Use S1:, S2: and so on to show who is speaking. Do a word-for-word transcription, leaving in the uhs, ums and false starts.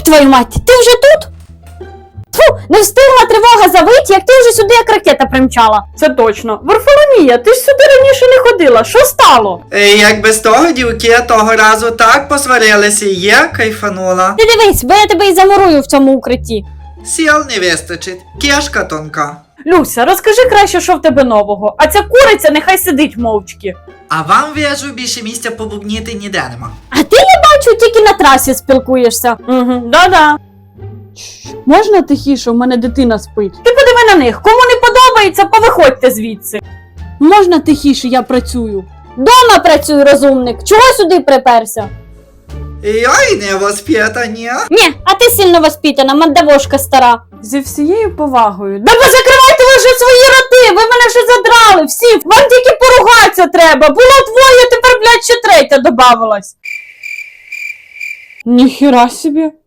S1: твою мать, ти вже тут? Тьфу, не встигла тривога завить, як ти вже сюди як ракета примчала.
S2: Це точно. Варфоломія, ти ж сюди раніше не ходила. Що стало?
S3: Е, Як без того, дівки, того разу так посварилися, і я кайфанула.
S1: Ти дивись, бо я тебе і замурую в цьому укритті.
S3: Сіл не вистачить, кішка тонка.
S2: Люся, розкажи краще, що в тебе нового. А ця куриця нехай сидить мовчки.
S3: А вам, вижу, більше місця побубніти ніде нема.
S1: А ти, я бачу, тільки на трасі спілкуєшся.
S2: Угу, да-да. Можна тихіше, у мене дитина спить. Ти подиви на них, кому не подобається, повиходьте звідси. Можна тихіше, я працюю.
S1: Дома працюй, розумник. Чого сюди приперся?
S3: Ой, не воспитані.
S1: Ні, а ти сильно воспитана, мандавошка стара.
S2: Зі всією повагою. Да ви закривайте ви вже свої роти, ви мене вже задрали, всі, вам тільки поругатися треба. Було двоє, тепер, блядь, ще третя добавилась. Ніхіра собі.